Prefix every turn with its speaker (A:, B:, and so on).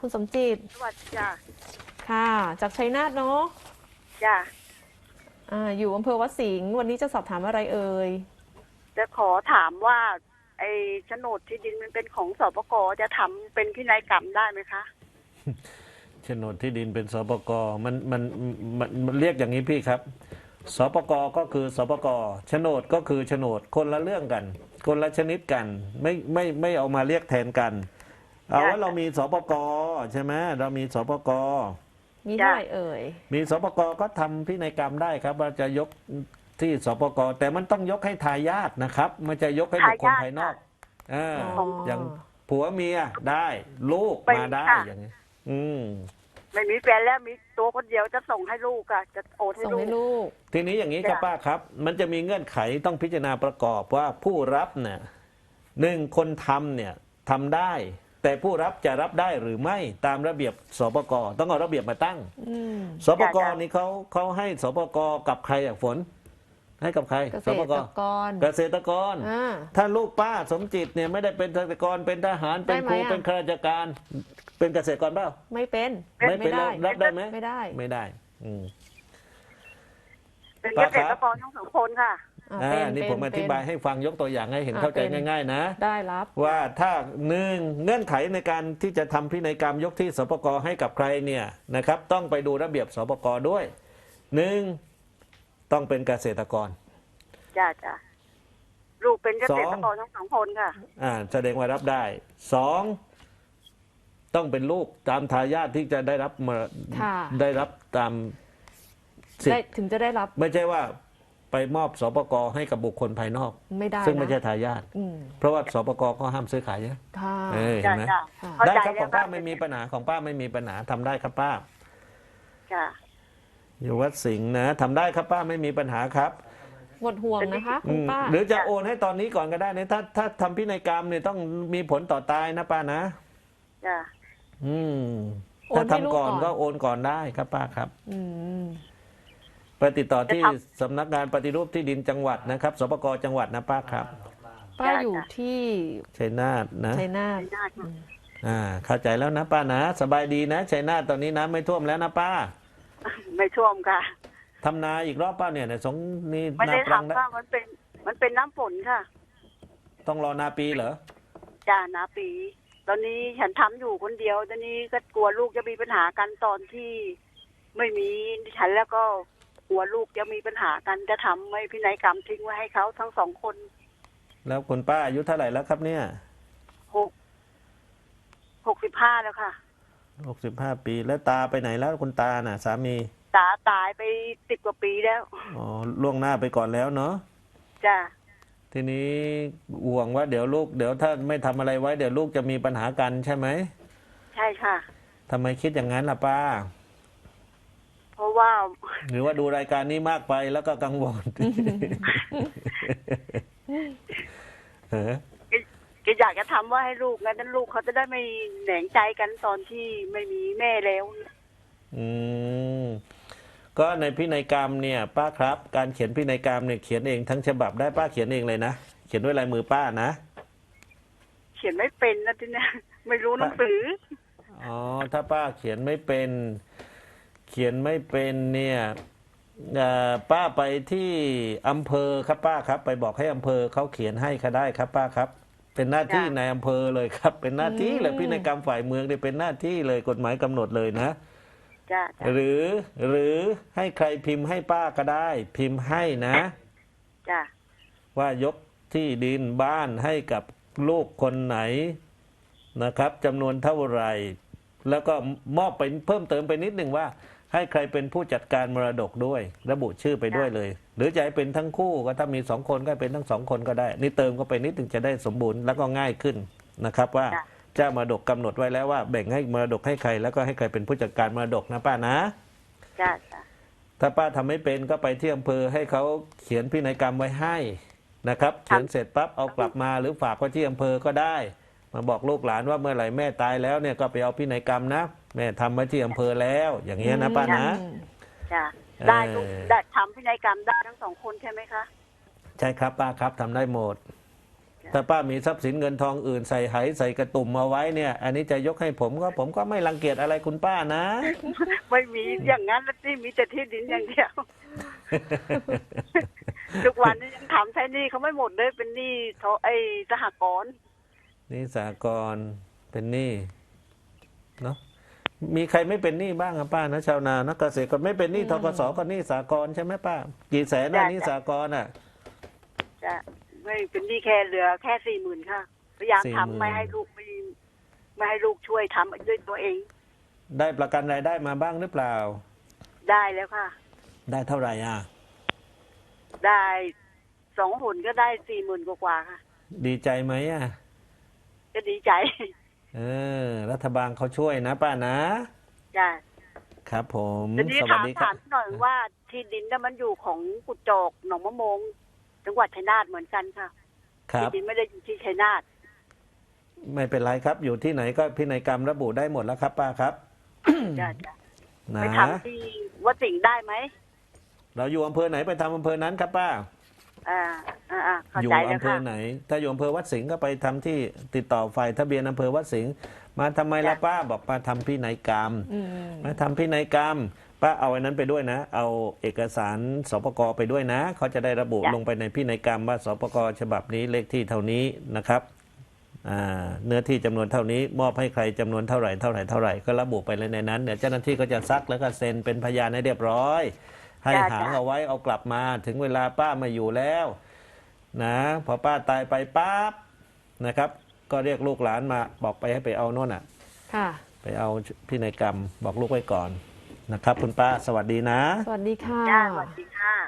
A: คุณสมจิต
B: สวัสดีจ้ะ
A: ค่ะจากชัยนาทเนาะ
B: จ้ะ
A: อยู่อำเภอวัดสิงห์วันนี้จะสอบถามอะไรเอ่ย
B: จะขอถามว่าไอ้โฉนดที่ดินมันเป็นของสปกจะทำเป็นพินัยกรรมได้ไหมคะ
C: โฉนดที่ดินเป็นสปกมันเรียกอย่างนี้พี่ครับสปกก็คือสปกโฉนดก็คือโฉนดคนละเรื่องกันคนละชนิดกันไม่เอามาเรียกแทนกันเอาว่าเรามีสปกใช่ไหมเรามีสปก
A: มีเท่าไหร่เอ่ย
C: มีสปกก็ทำพินัยกรรมได้ครับว่าจะยกที่สปกแต่มันต้องยกให้ทายาทนะครับไม่จะยกให้บุคคลภายนอกอย่างผัวเมียได้ลูกมาได้อย่างนี้
B: ไม่มีแฟนแล้วมีตัวคนเดียวจะส่งให้ลูกอะจะโอนให้ลูก
C: ทีนี้อย่างนี้ครับป้าครับมันจะมีเงื่อนไขต้องพิจารณาประกอบว่าผู้รับเนี่ยคนทำเนี่ยทำได้แต่ผู้รับจะรับได้หรือไม่ตามระเบียบสปกต้องเอาระเบียบมาตั้งสปกนี่เขาให้สปกกับใครฝนให้กับใคร
A: เกษตรกร
C: เกษตรกรถ้าลูกป้าสมจิตเนี่ยไม่ได้เป็นเกษตรกรเป็นทหารเป็นครูเป็นข้าราชการเป็นเกษตรกรเปล่า
A: ไม่เป็น
C: ไม่ได้รับได้ไหม
A: ไม่ได้
B: เป็นเกษตรกรทั้งสองคนค่ะ
C: นี่ผมอธิบายให้ฟังยกตัวอย่างให้เห็นเข้าใจง่ายๆนะ
A: ได้รับ
C: ว่าถ้าเงื่อนไขในการที่จะทำพินัยกรรมยกที่สปกให้กับใครเนี่ยนะครับต้องไปดูระเบียบสปกด้วยต้องเป็นเกษตรกร
B: จ้าลูกเป็นเกษตรกรทั้งสองคนค่ะ
C: แสดงว่ารับได้ต้องเป็นลูกตามทายาทที่จะได้รับตามสิทธิ์
A: ถึงจะได้รับ
C: ไม่ใช่ว่าไปมอบสปกให้กับบุคคลภายนอก
A: ไม่ได้
C: ซึ่งไม่ใช่ทายาทเพราะว่าสปกก็ห้ามซื้อขายเยเห็นไหมได้ครับของป้าไม่มีปัญหาของป้าไม่มีปัญหาทำได้ครับป้าอยู่วัดสิงห์นะทำได้ครับป้าไม่มีปัญหาครับ
A: หมดห่วงนะคะคุณป้า
C: หรือจะโอนให้ตอนนี้ก่อนก็ได้นะถ้าทำพินัยกรรมเนี่ยต้องมีผลต่อตายนะป้านะถ้าทำก่อนก็โอนก่อนได้ครับป้าครับไปติดต่อที่สำนักงานปฏิรูปที่ดินจังหวัดนะครับสปกจังหวัดนะป้าครับ
A: ป้าอยู่ที่
C: ชัยนาทนะ
A: ชัยนาท
C: เข้าใจแล้วนะป้านะสบายดีนะชัยนาทตอนนี้น้ำไม่ท่วมแล้วนะป้า
B: ไม่ท่วมค่ะ
C: ทำนาอีกรอบป้าเนี่ยนี่
B: ไม่ได้ทำค่ะมันเป็นน้ำฝนค่ะ
C: ต้องรอนาปีเหรอ
B: จ้านาปีตอนนี้ฉันทำอยู่คนเดียวตอนนี้ก็กลัวลูกจะมีปัญหากันตอนที่ไม่มีฉันแล้วก็กลัวลูกจะมีปัญหากันจะทำไม่พินัยกรรมทิ้งไว้ให้เขาทั้งสองคน
C: แล้วคุณป้าอายุเท่าไหร่แล้วครับเนี่ย
B: 65แล้วค่ะ
C: 65 ปีแล้วตาไปไหนแล้วคุณตาน่ะสามี
B: ตายไป10 กว่าปีแล้ว
C: ล่วงหน้าไปก่อนแล้วเนาะ
B: จ้า
C: ทีนี้ห่วงว่าเดี๋ยวถ้าไม่ทำอะไรไว้เดี๋ยวลูกจะมีปัญหากันใช่ไหม
B: ใช่ค่ะ
C: ทำไมคิดอย่างนั้นล่ะป้า
B: เพราะว่า
C: หรือว่าดูรายการนี้มากไปแล้วก็กังวล
B: ก็อยากจะทำว่าให้ลูกงั้นลูกเขาจะได้ไม่แหนงใจกันตอนที่ไม่มีแม่แล้ว
C: ก็ในพินัยกรรมเนี่ยป้าครับการเขียนพินัยกรรมเนี่ยเขียนเองทั้งฉบับได้ป้าเขียนเองเลยนะเขียนด้วยลายมือป้านะ
B: เขียนไม่เป็นนะทีนี้ไม่รู้หนังสือ
C: ถ้าป้าเขียนไม่เป็นเนี่ยป้าไปที่อำเภอครับป้าครับไปบอกให้อำเภอเขาเขียนให้ก็ได้ครับป้าครับเป็นหน้าที่ในอำเภอเลยครับเป็นหน้าที่เลยพินัยกรรมฝ่ายเมืองเนี่ยเป็นหน้าที่เลยกฎหมายกำหนดเลยนะหรือให้ใครพิมพ์ให้ป้าก็ได้พิมพ์ให้นะว่ายกที่ดินบ้านให้กับลูกคนไหนนะครับจำนวนเท่าไหร่แล้วก็มอบไปเพิ่มเติมไปนิดหนึ่งว่าให้ใครเป็นผู้จัดการมรดกด้วยระบุชื่อไปด้วยเลยหรือจะให้เป็นทั้งคู่ก็ถ้ามี2 คนก็เป็นทั้ง2 คนก็ได้นี่เติมก็ไปนิดหนึ่งจะได้สมบูรณ์แล้วก็ง่ายขึ้นนะครับว่าเจ้ามรดกกำหนดไว้แล้วว่าแบ่งให้มรดกให้ใครแล้วก็ให้ใครเป็นผู้จัดการมรดกนะป้านะถ้าป้าทำไม่เป็นก็ไปที่อำเภอให้เขาเขียนพินัยกรรมไว้ให้นะครับเขียนเสร็จปั๊บเอากลับมาหรือฝากไว้ที่อำเภอก็ได้มาบอกลูกหลานว่าเมื่อไหร่แม่ตายแล้วเนี่ยก็ไปเอาพินัยกรรมนะแม่ทำไว้ที่อำเภอแล้วอย่างเงี้ยนะป้านะ
B: ได้ทำพินัยกรรมได้ทั้ง2 คนใช่ไหมคะ
C: ใช่ครับป้าครับทำได้หมดถ้าป้ามีทรัพย์สินเงินทองอื่นใส่ไหใส่กระตุ่มเอาไว้เนี่ย อันนี้จะยกให้ผมก็ไม่รังเกียจอะไรคุณป้านะ
B: ไม่มีอย่างนั้นแล้วที่มีแต่ที่ดินอย่างเดียว ทุกวันนี้ยังถามใช้หนี้เขาไม่หมดเลยเป็นหนี้สหกรณ์
C: นี่สหกรณ์เป็นหนี้เนาะมีใครไม่เป็นหนี้บ้างครับป้านะชาวนานักเกษตรก็ไม่เป็นหนี้ธกสก็หนี้สหกรณ์ใช่ไหมป้ากี่แสนนะหนี้สหกรณ์อ่ะ
B: จะไม่เป็นหนี้แค่เหลือแค่40,000ค่ะพยายาม
C: 40,000
B: ทำไม่ให้ลูกช่วยทำด้วยตัวเอง
C: ได้ประกันรายได้มาบ้างหรือเปล่า
B: ได้แล้วค่ะ
C: ได้เท่าไหร่อ่ะ
B: ได้2 หนก็ได้40,000กว่าๆค่ะ
C: ดีใจไหมอ่ะ
B: ก็ดีใจ
C: รัฐบาลเขาช่วยนะป้านะ
B: จ้ะ
C: ครับผม
B: ทีนี้
C: สวัสดีครั
B: ถา
C: บ
B: มหน่อยว่าที่ดินนั้นมันอยู่ของกุดจอกหนองมะมงจังหวัดชัยนาทเหมือนกันค่ะ
C: ครั
B: ที่
C: บ
B: ดินไม่ได้อยู่ที่ชัยนาท
C: ไม่เป็นไรครับอยู่ที่ไหนก็พินัยกรรมระบุได้หมดแล้วครับป้าครับ
B: จ้ะ
C: นะ
B: ไปทำที่วัดสิงห์ได้ไหม
C: เราอยู่อำเภอไหนไปทำอำเภอนั้นครับป้า
B: เข้า
C: อยู่
B: ใจแล้ว
C: อำเภ
B: ค่ะ
C: อไหน ถ้าอยู่อำเภอวัดสิงห์ก็ไปทำที่ติดต่อฝ่ายทะเบียนอำเภอวัดสิงห์มาทำไมล่ะ
B: จ้ะ
C: ป้าบอกป้าทำพินัยกรรม
A: อืม
C: มาทำพินัยกรรม ป้าเอาไอ้นั้นไปด้วยนะ เอาเอกสารสปกไปด้วยนะเขาจะได้ระบุลงไปในพินัยกรรมว่าสปกฉบับนี้เลขที่เท่านี้นะครับเนื้อที่จำนวนเท่านี้มอบให้ใครจำนวนเท่าไหร่ก็ระบุไปเลยในนั้นเดี๋ยวเจ้าหน้าที่ก็จะซักแล้วก็เซ็นเป็นพยานให้เรียบร้อย ให้
B: จ้ะ
C: หาง
B: จ้ะ
C: เอาไว้เอากลับมาถึงเวลาป้ามาอยู่แล้วนะพอป้าตายไปปั๊บนะครับ ก็เรียกลูกหลานมาบอกไปให้ไปเอาโน่นอ่ะ
A: ค่ะ
C: ไปเอาพินัยกรรมบอกลูกไว้ก่อนนะครับ คุณป้าสวัสดีนะ
A: สวัสดีค่ะ
B: จ้าสวัสดีค่ะ